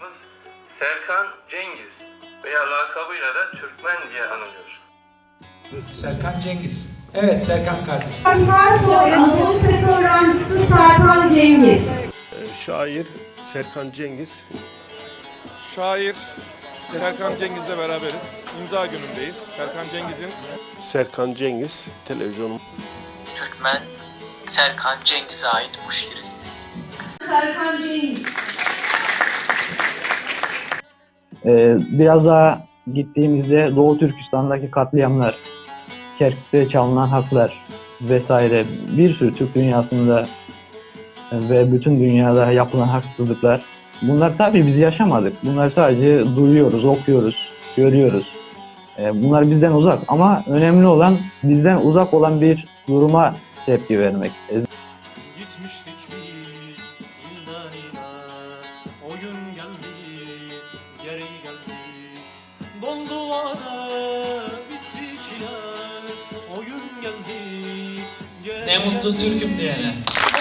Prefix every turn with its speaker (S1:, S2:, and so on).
S1: kahramanımız Serkan Cengiz veya lakabıyla da Türkmen diye anılıyor.
S2: Serkan Cengiz. Evet Serkan kardeşim.
S3: Karsoy Anadolu Lisesi öğrencisi Serkan Cengiz.
S4: Şair Serkan Cengiz.
S5: Şair Serkan Cengiz'le beraberiz. İmza günündeyiz. Serkan Cengiz televizyonum.
S6: Türkmen Serkan Cengiz'e ait bu şiir.
S3: Serkan Cengiz.
S7: Biraz daha gittiğimizde Doğu Türkistan'daki katliamlar, Kerkük'te çalınan haklar vesaire bir sürü Türk dünyasında ve bütün dünyada yapılan haksızlıklar. Bunlar tabii biz yaşamadık. Bunlar sadece duyuyoruz, okuyoruz, görüyoruz. Bunlar bizden uzak ama önemli olan bizden uzak olan bir duruma tepki vermek.
S8: Gitmiştik biz ilden ila, o gün geldi, geri geldi. Doldu vade, bitti çile, o gün geldi, geri
S2: Ne mutlu
S8: geldi.
S2: Türk'üm diyene.